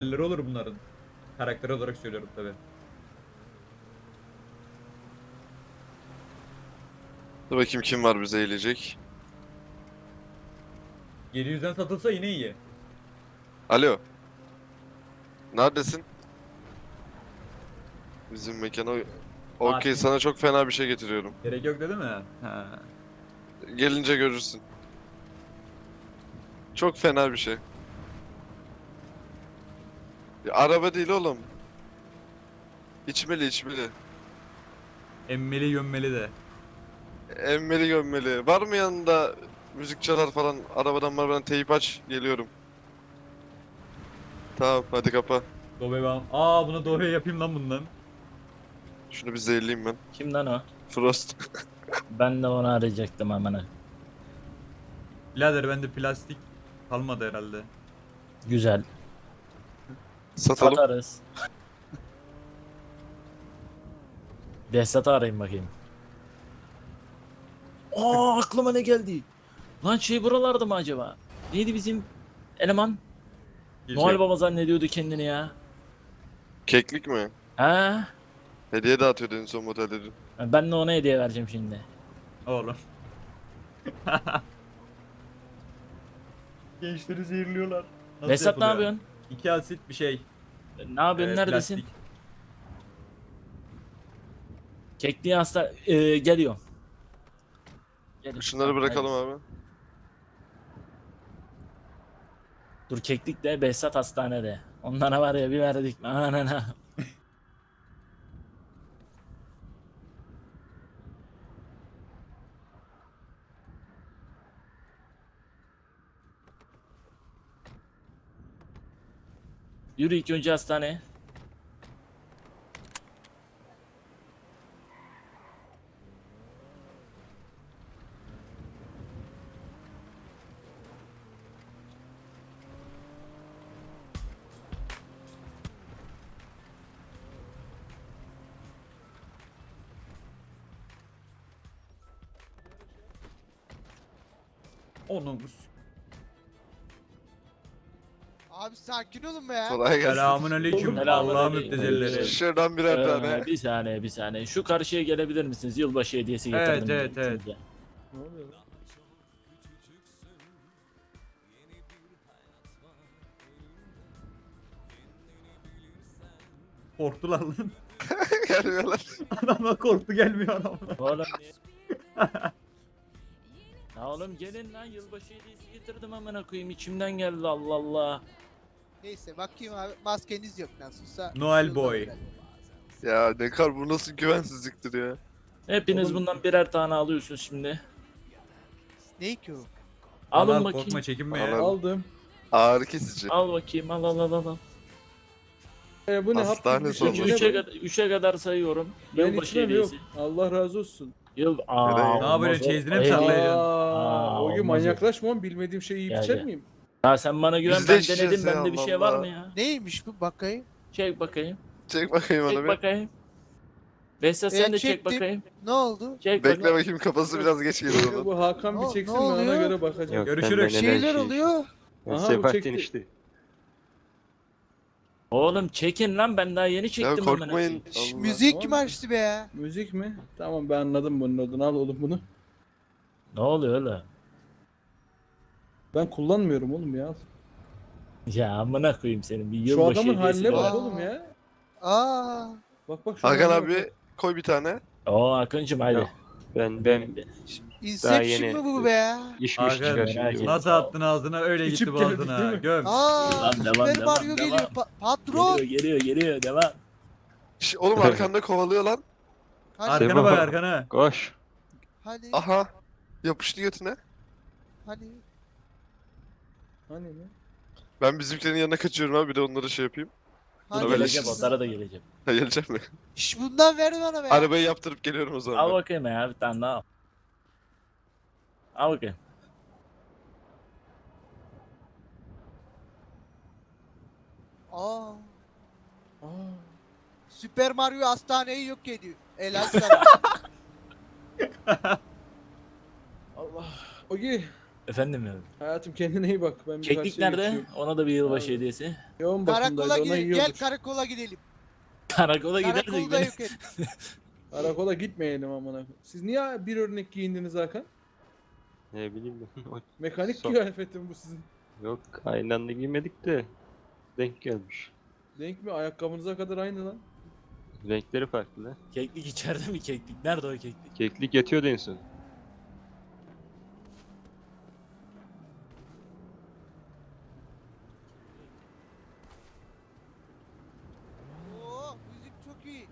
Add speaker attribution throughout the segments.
Speaker 1: olur bunların. Karakter olarak söylüyorum tabi.
Speaker 2: Dur bakayım kim var bize eğilecek.
Speaker 1: 700'den satılsa yine iyi.
Speaker 2: Alo. Neredesin? Bizim mekana. Okey,
Speaker 1: Fatih.
Speaker 2: sana çok fena bir şey getiriyorum.
Speaker 1: Gerek yok dedi mi? Ha.
Speaker 2: Gelince görürsün. Çok fena bir şey. Ya, araba değil oğlum. İçmeli içmeli.
Speaker 1: Emmeli gömmeli de.
Speaker 2: Emmeli gömmeli. Var mı yanında müzik çalar falan? Arabadan teyip aç. Geliyorum. Tamam hadi kapa.
Speaker 1: Dove ben. Aa buna Dove yapayım lan bundan.
Speaker 2: Şunu bir zehirleyeyim ben.
Speaker 3: Kimden o?
Speaker 2: Frost.
Speaker 3: Ben de onu arayacaktım hemen.
Speaker 1: Birader bende plastik kalmadı herhalde.
Speaker 3: Güzel.
Speaker 2: Satalım.
Speaker 3: Satarız. Behzat'ı arayayım bakayım. Aa aklıma ne geldi? Lan şey buralarda mı acaba? Neydi bizim eleman? Noel Baba zannediyordu kendini ya.
Speaker 2: Keklik mi?
Speaker 3: Ha?
Speaker 2: Hediye dağıtıyordu en son modelleri.
Speaker 3: Ben de ona hediye vereceğim şimdi.
Speaker 1: Oğlum. Gençleri zehirliyorlar. Nasıl
Speaker 3: Behzat ne
Speaker 1: yapılıyor?
Speaker 3: yapıyorsun?
Speaker 1: 2 asit bir şey.
Speaker 3: Ne yapıyorsun? Neredesin?
Speaker 1: Plastik.
Speaker 3: Kekliği hasta geliyor. Geliyor.
Speaker 2: Şunları
Speaker 3: Tamam,
Speaker 2: bırakalım
Speaker 3: haydi.
Speaker 2: abi.
Speaker 3: Dur keklik de Behzat hastanede. Onlara var ya bir verdik. Anana. Yürü ilk önce hastaneye.
Speaker 1: Onun.
Speaker 4: Abi sakin olun be ya.
Speaker 2: Kolay gelsin.
Speaker 1: Selamun aleyküm.
Speaker 3: Selamun
Speaker 1: Allah'ın
Speaker 3: aleyküm.
Speaker 1: müptezelleri.
Speaker 2: Şuradan birer tane.
Speaker 3: Bir saniye bir saniye. Şu karşıya gelebilir misiniz? Yılbaşı hediyesi getirdim.
Speaker 1: Evet, evet.
Speaker 3: ikinize.
Speaker 1: Korktular lan.
Speaker 2: Gelmiyorlar.
Speaker 1: Adamlar korktu gelmiyor adamlar.
Speaker 3: Oğlum niye? Ya oğlum gelin lan yılbaşı hediyesi getirdim amına koyayım içimden geldi Allah Allah.
Speaker 4: Neyse bakayım abi maskeniz yok nasılsa.
Speaker 1: Noel Boy.
Speaker 2: Ya ne kar, bu nasıl güvensizliktir ya.
Speaker 3: Hepiniz bundan birer tane alıyorsunuz şimdi.
Speaker 4: Ne ki o?
Speaker 3: Alın
Speaker 1: Al,
Speaker 3: bakayım.
Speaker 1: korkma çekinme
Speaker 2: Al,
Speaker 1: ya.
Speaker 2: al.
Speaker 5: Aldım.
Speaker 2: Ağrı kesici.
Speaker 3: Al bakayım al.
Speaker 5: Bu ne?
Speaker 2: Hastane
Speaker 5: Hap gibi bir şey,
Speaker 2: sonrası.
Speaker 5: bu ne
Speaker 3: Üçe
Speaker 5: bu?
Speaker 3: kadar, üçe kadar sayıyorum.
Speaker 5: Ben
Speaker 3: Yılbaşı
Speaker 5: içmem yok.
Speaker 3: hediyesi.
Speaker 5: Allah razı olsun.
Speaker 3: Yıl...
Speaker 2: Ne
Speaker 3: Aa,
Speaker 2: yapıyorsun,
Speaker 3: olmaz o.
Speaker 1: çeyizine mi
Speaker 3: Eyvah.
Speaker 1: saklayacaksın?
Speaker 5: O gün
Speaker 3: olmaz o.
Speaker 5: manyaklaşma oğlum, bilmediğim şeyi yiyip
Speaker 3: Gel,
Speaker 5: içer
Speaker 3: gel.
Speaker 5: miyim?
Speaker 3: Ya sen bana güven
Speaker 2: Biz de
Speaker 3: ben
Speaker 2: içeceğiz
Speaker 3: denedim
Speaker 2: ya,
Speaker 3: bende bir şey
Speaker 2: Allah
Speaker 3: var
Speaker 2: Allah.
Speaker 3: mı ya?
Speaker 4: Neymiş bu bakayım?
Speaker 3: Çek bakayım.
Speaker 2: Çek bakayım onu
Speaker 3: Çek
Speaker 2: bir.
Speaker 3: bakayım. Behzat sen de çek
Speaker 4: çektim.
Speaker 3: bakayım.
Speaker 4: Ne oldu?
Speaker 3: Çek
Speaker 2: Bekle
Speaker 3: bakayım.
Speaker 2: bakayım, kafası biraz geç gelir onun.
Speaker 5: Bu Hakan
Speaker 4: Ne-
Speaker 5: bir
Speaker 4: ne
Speaker 5: çeksin, ben ona
Speaker 4: oluyor?
Speaker 5: göre bakacağım.
Speaker 6: Yok,
Speaker 1: Görüşürüz.
Speaker 6: ben
Speaker 4: Şeyler oluyor.
Speaker 5: Aha, bu
Speaker 6: Sebahattin
Speaker 5: çekti.
Speaker 6: işte.
Speaker 3: Oğlum çekin lan ben daha yeni
Speaker 2: Ya
Speaker 3: çektim amına
Speaker 2: korkmayın.
Speaker 3: koyayım.
Speaker 4: Şş,
Speaker 2: Allah.
Speaker 4: müzik kim
Speaker 5: Oğlum.
Speaker 4: açtı be ya?
Speaker 5: Müzik mi? Tamam, ben anladım bunun adını. Al oğlum bunu.
Speaker 3: Ne oluyor oğlum?
Speaker 5: Ben kullanmıyorum oğlum ya.
Speaker 3: Ya amına koyayım senin bir
Speaker 5: Şu
Speaker 3: yılbaşı
Speaker 5: adamın
Speaker 3: hediyesi
Speaker 5: haline
Speaker 3: var.
Speaker 5: bak
Speaker 4: Aa.
Speaker 5: oğlum ya.
Speaker 4: Aa.
Speaker 5: Bak şu
Speaker 2: Hakan
Speaker 5: haline bak.
Speaker 2: abi koy bir tane.
Speaker 3: Oo Akıncım haydi.
Speaker 6: Yok. Ben
Speaker 4: Inception
Speaker 6: yeni-
Speaker 4: mı bu be ya?
Speaker 6: işmiş
Speaker 1: Hakan,
Speaker 6: çıkar
Speaker 3: merak
Speaker 6: şimdi.
Speaker 3: etme.
Speaker 1: Nasıl attın ağzına öyle
Speaker 5: İçip
Speaker 1: gitti
Speaker 5: geldik,
Speaker 1: boğazına.
Speaker 5: değil mi?
Speaker 1: Göm.
Speaker 4: Aa.
Speaker 3: Devam,
Speaker 4: Super
Speaker 3: devam,
Speaker 4: Mario
Speaker 3: devam.
Speaker 4: geliyor. Patron.
Speaker 3: Geliyor devam.
Speaker 2: Oğlum arkanda kovalıyor lan.
Speaker 4: Hani
Speaker 1: Arkana bak arkana.
Speaker 6: Koş.
Speaker 4: hani
Speaker 2: Aha. Yapıştı götüne.
Speaker 4: hani.
Speaker 5: Hani ne?
Speaker 2: Ben bizimkilerin yanına kaçıyorum abi, bir de onlara şey yapayım.
Speaker 4: Hani.
Speaker 2: Böyle
Speaker 3: Geleceğim
Speaker 2: işsiz.
Speaker 3: onlara da geleceğim.
Speaker 2: Ha, geleceğim mi?
Speaker 4: Şş bundan ver bana be.
Speaker 2: Arabayı yaptırıp geliyorum o zaman.
Speaker 3: Al
Speaker 2: ben.
Speaker 3: bakayım ya bir tane daha al. Al bakayım.
Speaker 4: Aa.
Speaker 5: Aa.
Speaker 4: Super Mario hastaneyi yok ediyor. Helal sana.
Speaker 5: Allah. Ogi.
Speaker 3: Efendim ya.
Speaker 5: Hayatım kendine iyi bak. Ben bir
Speaker 3: Keklik
Speaker 5: karşıya
Speaker 3: nerede?
Speaker 5: geçiyorum.
Speaker 3: Ona da bir yılbaşı
Speaker 5: Abi.
Speaker 3: hediyesi.
Speaker 5: Yoğun
Speaker 4: Karakola
Speaker 5: bakımdaydı ona
Speaker 4: gidelim. Gel
Speaker 5: yiyordur.
Speaker 4: karakola gidelim.
Speaker 3: Karakola gidersek
Speaker 4: Karakolda
Speaker 3: beni...
Speaker 4: yok et.
Speaker 5: Karakola gitmeyelim amına koyayım. Siz niye bir örnek giyindiniz Hakan?
Speaker 6: Ne bileyim ben.
Speaker 5: Mekanik
Speaker 6: So-
Speaker 5: kıyafeti mi bu sizin?
Speaker 6: Yok aynı anda giymedik de denk gelmiş.
Speaker 5: Denk mi? Ayakkabınıza kadar aynı lan.
Speaker 6: Renkleri farklı.
Speaker 3: Keklik içeride mi keklik? Nerede o keklik?
Speaker 6: Keklik yatıyordu en son.
Speaker 4: Oo, müzik çok iyi.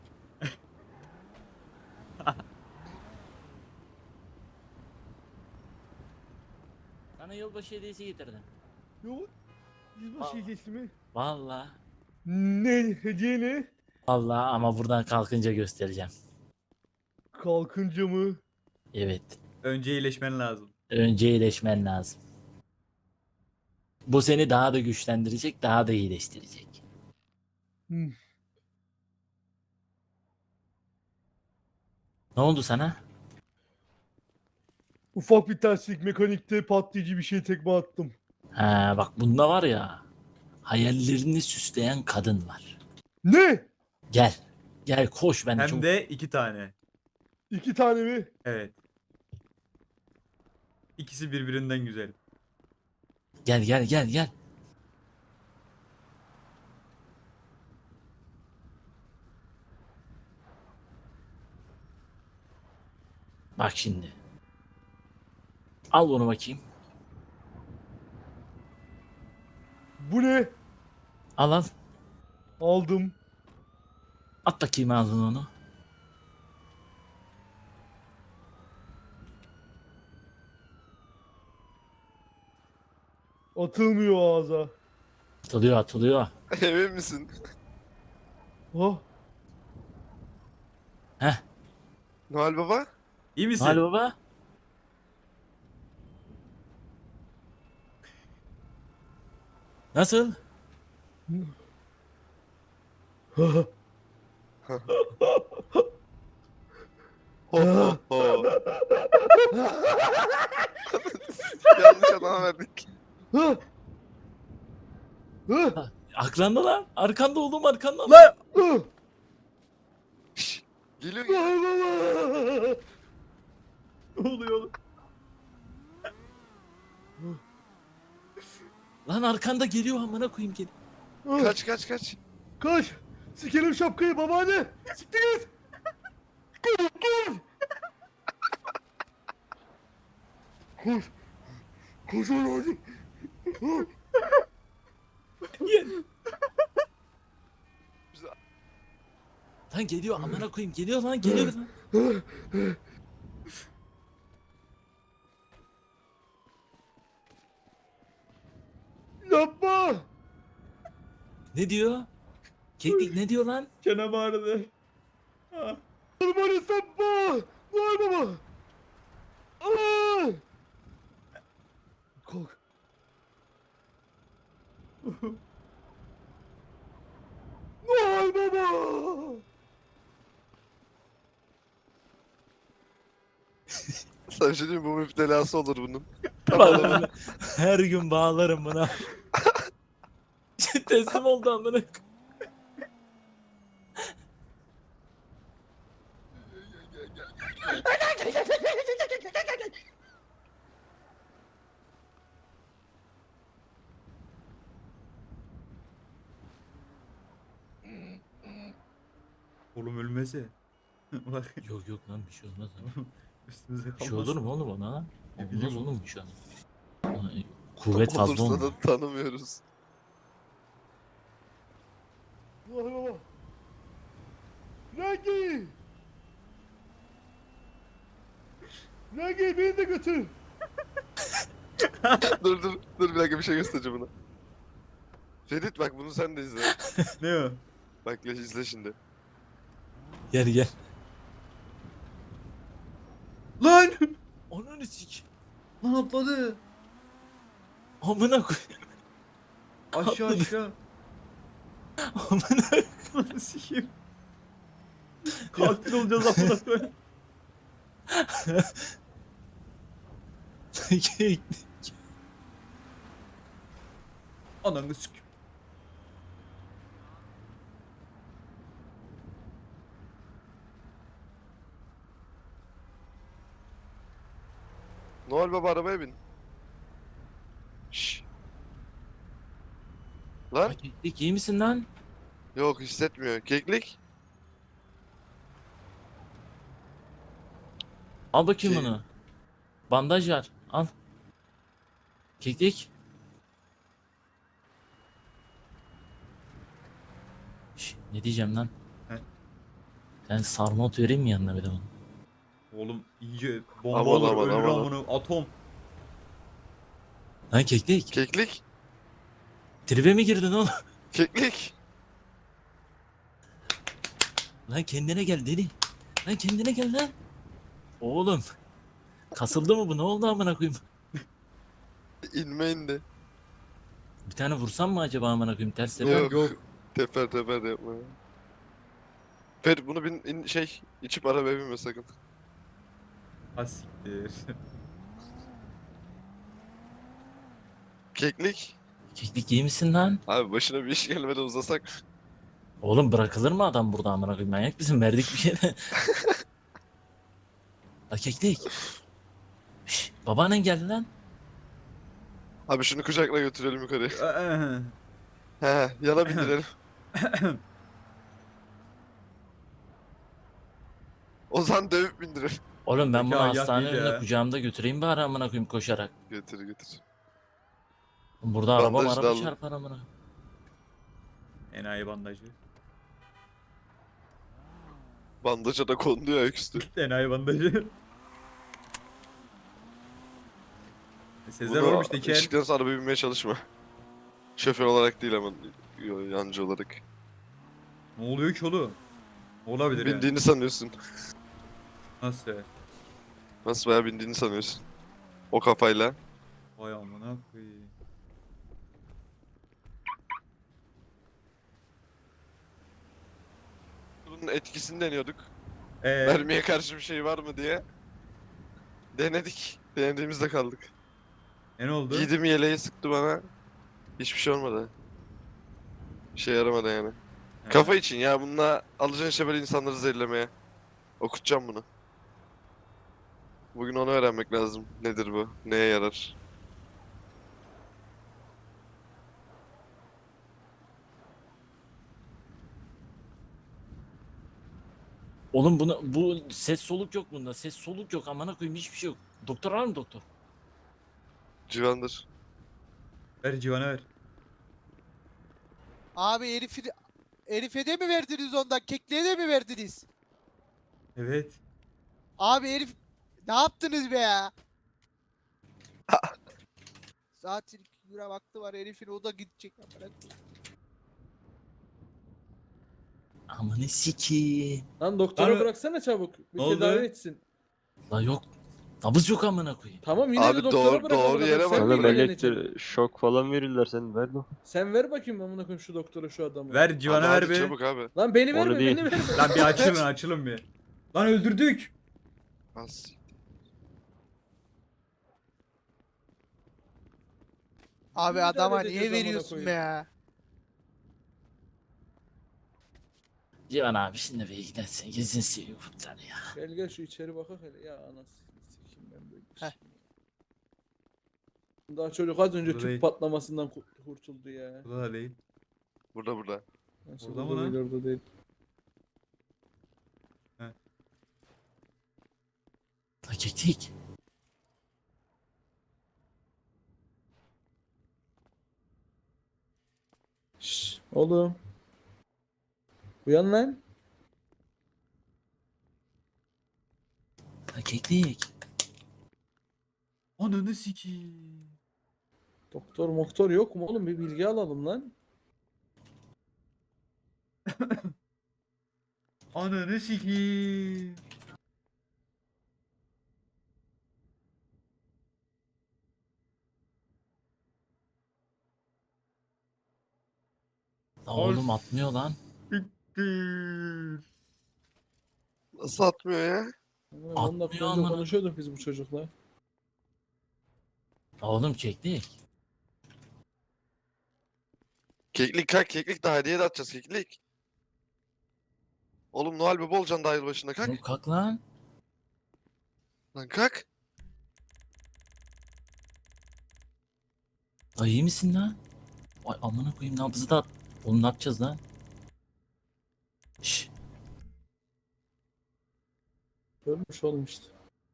Speaker 3: Sana yılbaşı hediyesi getirdim.
Speaker 5: Yok.
Speaker 3: Yılbaşı
Speaker 5: hediyesi mi?
Speaker 3: Vallahi.
Speaker 5: Ne? Hediye ne?
Speaker 3: Vallahi ama buradan kalkınca göstereceğim.
Speaker 5: Kalkınca mı?
Speaker 3: Evet.
Speaker 1: Önce iyileşmen lazım.
Speaker 3: Önce iyileşmen lazım. Bu seni daha da güçlendirecek, daha da iyileştirecek.
Speaker 5: Hmm.
Speaker 3: Ne oldu sana?
Speaker 5: Ufak bir terslik mekanikte patlayıcı bir şey tekme attım.
Speaker 3: Ha bak bunda var ya, hayallerini süsleyen kadın var.
Speaker 5: Ne?
Speaker 3: Gel. Gel koş ben
Speaker 1: Hem
Speaker 3: çok...
Speaker 1: de 2 tane.
Speaker 5: 2 tane mi?
Speaker 1: Evet. İkisi birbirinden güzel.
Speaker 3: Gel gel gel gel. Bak şimdi. Al bunu bakayım.
Speaker 5: Bu ne?
Speaker 3: Al al.
Speaker 5: Aldım.
Speaker 3: At bakayım ağzına onu.
Speaker 5: Atılmıyor ağza.
Speaker 3: Atılıyor atılıyor.
Speaker 2: Emin misin?
Speaker 5: Oh.
Speaker 3: Heh.
Speaker 2: Noel Baba?
Speaker 1: İyi misin?
Speaker 3: Hadi baba. Nasıl?
Speaker 2: Ho ho ho. Yanlış adama verdik.
Speaker 5: Hı. Hı.
Speaker 3: Arkanda lan. Arkanda oğlum arkanda.
Speaker 1: Lan!
Speaker 5: Hı.
Speaker 2: Şşş, geliyor geliyor.
Speaker 1: Ne oluyor oğlum?
Speaker 3: Lan arkanda geliyor amına koyayım gel.
Speaker 2: Kaç kaç kaç.
Speaker 5: Kaç. Sikerim şapkayı babaanne. Siktir git. Koş. Koş. Koş. Koş oğlum.
Speaker 3: Gel. Lan geliyor amına koyayım geliyor lan geliyor lan.
Speaker 5: Yapma.
Speaker 3: Ne diyor? Keklik ne diyor lan?
Speaker 1: Çenem ağrıdı. Ah.
Speaker 5: Bana sapma. Vay baba. Aa. Kalk. Vay baba.
Speaker 2: Sana bir şey diyeyim mi? Bu müptelası olur bunun.
Speaker 3: Bağlarım. Her gün bağlarım buna. Teslim oldu amına koyayım.
Speaker 1: Oğlum ölmese. Bak
Speaker 3: Yok yok lan bir şey olmaz lan.
Speaker 1: üstümüze
Speaker 3: Bir
Speaker 1: kalmasın.
Speaker 3: şey olur mu oğlum ona lan?
Speaker 1: Ne
Speaker 3: Olmaz
Speaker 1: bileyim.
Speaker 3: oğlum bir şey olmaz. Ona kuvvet fazla
Speaker 2: Olursa
Speaker 3: olmuyor.
Speaker 2: da tanımıyoruz.
Speaker 5: Vay baba. Rengi. Rengi beni de götür.
Speaker 2: Dur bir dakika bir şey göstereceğim buna. Ferit bak bunu sen de izle.
Speaker 1: Ne o?
Speaker 2: Bak izle şimdi.
Speaker 3: Gel gel.
Speaker 1: Lan!
Speaker 3: Ananı sik.
Speaker 1: Lan atladı.
Speaker 3: Amına koy.
Speaker 1: Aşağı aşağı.
Speaker 3: Amına.
Speaker 1: Lan sikeyim. Katil olacağız amına koyayım. Ananı sik.
Speaker 2: Noel Baba arabaya bin. Şşş. Lan?
Speaker 3: Keklik iyi misin lan?
Speaker 2: Yok hissetmiyor. Keklik.
Speaker 3: Al bakayım
Speaker 2: Şey-
Speaker 3: bunu. Bandaj var. Al. Keklik. Ne diyeceğim lan?
Speaker 1: He.
Speaker 3: Ben sarma ot vereyim mi yanına bir de bunu?
Speaker 1: Oğlum iyice bomba
Speaker 2: Aman,
Speaker 1: olur
Speaker 2: aman,
Speaker 1: ölür
Speaker 2: aman.
Speaker 1: amına atom.
Speaker 3: Lan keklik.
Speaker 2: Keklik.
Speaker 3: Tribe mi girdin oğlum?
Speaker 2: Keklik.
Speaker 3: Lan kendine gel deli. Lan kendine gel lan. Oğlum. Kasıldı mı bu? Ne oldu amına koyayım?
Speaker 2: İnme indi.
Speaker 3: Bir tane vursam mı acaba amına koyayım? Ters tepe.
Speaker 2: Yok.
Speaker 1: Yok.
Speaker 2: Teper teper yapma. Fer bunu içip arabaya binme sakın.
Speaker 1: Ha siktir.
Speaker 2: Keklik.
Speaker 3: Keklik iyi misin lan?
Speaker 2: Abi başına bir iş gelmeden uzasak.
Speaker 3: Oğlum bırakılır mı adam burada amına koyayım? Manyak mısın? Verdik bir şey de. La keklik. Şş, babaannen geldi lan.
Speaker 2: Abi şunu kucakla götürelim yukarıya.
Speaker 1: Aa,
Speaker 2: He, yana bindirelim. Ozan dövüp bindirelim.
Speaker 3: Oğlum ben
Speaker 1: Peki,
Speaker 3: bunu
Speaker 1: ayak
Speaker 3: hastane
Speaker 1: değil
Speaker 3: önüne
Speaker 1: ya.
Speaker 3: kucağımda götüreyim bari amına koyayım koşarak.
Speaker 2: Getir getir.
Speaker 3: Burada araba
Speaker 2: Bandaj da
Speaker 3: araba
Speaker 2: al.
Speaker 3: çarpar amına.
Speaker 1: enayi bandajı.
Speaker 2: Bandaja da kondu ya ayaküstü.
Speaker 1: Enayi bandajı. Sezer
Speaker 2: Bunu
Speaker 1: olmuş teker.
Speaker 2: içtikten sonra arabaya binmeye çalışma. Şoför olarak değil ama yancı olarak.
Speaker 1: Ne oluyor ki oğlum? Olabilir yani.
Speaker 2: Bindiğini sanıyorsun.
Speaker 1: Nasıl ya?
Speaker 2: Nasıl bayağı bindiğini sanıyorsun. O kafayla.
Speaker 1: Vay amına koyayım.
Speaker 2: Bunun etkisini deniyorduk.
Speaker 1: Ee,
Speaker 2: Mermiye karşı bir şey var mı diye. Denedik. Denediğimizde kaldık.
Speaker 1: ne oldu?
Speaker 2: Giydim yeleği sıktı bana. Hiçbir şey olmadı. Bir şey yaramadı yani.
Speaker 1: He.
Speaker 2: Kafa için ya bununla alacaksın işte böyle insanları zehirlemeye. Okutacağım bunu. Bugün onu öğrenmek lazım. Nedir bu? Neye yarar?
Speaker 3: Oğlum bu ses soluk yok bunda. Ses soluk yok amına koyayım hiçbir şey yok. Doktor var mı doktor?
Speaker 2: Civandır.
Speaker 1: Ver civana ver.
Speaker 4: Abi Elif'e de mi verdiniz ondan? Kekliğe de mi verdiniz?
Speaker 1: Evet.
Speaker 4: Abi Elif ne yaptınız be ya? Zaten 2 lira vakti var Elif'in o da gidecek.
Speaker 3: Amanı sikiyim.
Speaker 5: Lan doktora
Speaker 1: Lan-
Speaker 5: bıraksana çabuk. Bir
Speaker 1: Ne oldu?
Speaker 5: tedavi etsin.
Speaker 3: La yok. Nabız yok amına koyayım.
Speaker 5: Tamam yine
Speaker 2: Abi
Speaker 5: de doktora
Speaker 2: doğru-
Speaker 5: bırak.
Speaker 2: doğru
Speaker 5: amına
Speaker 2: yere
Speaker 5: koyayım.
Speaker 2: bak.
Speaker 5: Sen mi
Speaker 6: Oğlum
Speaker 5: ilgileneceksin?
Speaker 6: elektrik şok falan verirler sen ver lan.
Speaker 5: Sen ver bakayım amına koyayım şu doktora şu adamı.
Speaker 1: Ver civana
Speaker 2: Ama
Speaker 1: ver
Speaker 2: hadi
Speaker 1: be.
Speaker 2: çabuk abi.
Speaker 5: Lan beni
Speaker 6: Onu
Speaker 5: verme
Speaker 6: değil.
Speaker 5: beni verme.
Speaker 1: Lan bir açılın açılın bir. Lan öldürdük.
Speaker 2: Az.
Speaker 4: Abi
Speaker 5: Müdahale
Speaker 4: adama
Speaker 5: edeceğiz
Speaker 4: niye
Speaker 5: amına
Speaker 4: veriyorsun
Speaker 5: koyayım.
Speaker 4: be ya?
Speaker 3: Civan abi şimdi bir gidersin. Gezin seviyor kurtlar ya.
Speaker 5: Gel gel şu içeri bakak hele. Ya anasını sikeyim ben böyle bir
Speaker 4: Heh.
Speaker 5: şey. Daha çocuk az önce
Speaker 1: Burada
Speaker 5: tüp
Speaker 1: değil.
Speaker 5: patlamasından kurtuldu ya.
Speaker 1: Burada da değil.
Speaker 2: Burada.
Speaker 5: Nasıl
Speaker 1: Orada mı
Speaker 5: burada
Speaker 1: lan?
Speaker 5: değil, orada değil.
Speaker 3: La keklik.
Speaker 5: Şşş oğlum. Uyan lan.
Speaker 3: La keklik.
Speaker 1: Ananı sikeyim.
Speaker 5: Doktor moktor yok mu oğlum bir bilgi alalım lan.
Speaker 1: Ananı sikeyim.
Speaker 3: La oğlum atmıyor lan.
Speaker 1: Siktir.
Speaker 2: Nasıl atmıyor ya?
Speaker 5: 10 dakika
Speaker 3: Atmıyor
Speaker 5: önce
Speaker 3: amına.
Speaker 5: konuşuyorduk biz bu çocukla.
Speaker 3: Oğlum çektik.
Speaker 2: Keklik kalk, keklik daha hediye de atacağız keklik. Oğlum Noel Baba olacaksın daha yılbaşında kalk.
Speaker 3: Oğlum kalk lan.
Speaker 2: Lan kalk.
Speaker 3: Ay iyi misin lan? Ay amına koyayım nabzı da at. Oğlum ne yapacağız lan? Şşş.
Speaker 5: Ölmüş oğlum işte.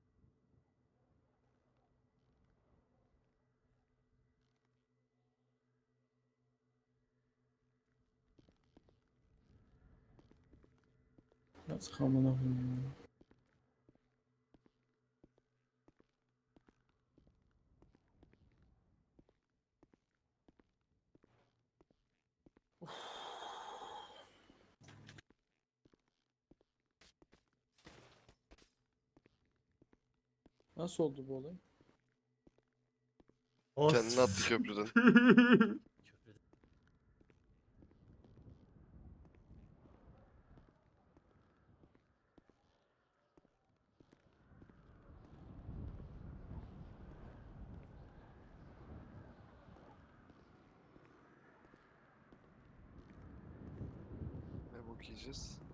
Speaker 5: Yazık amına koyayım ya. Nasıl oldu bu olay?
Speaker 2: Kendini attı köprüden. Ne bok yiyeceğiz?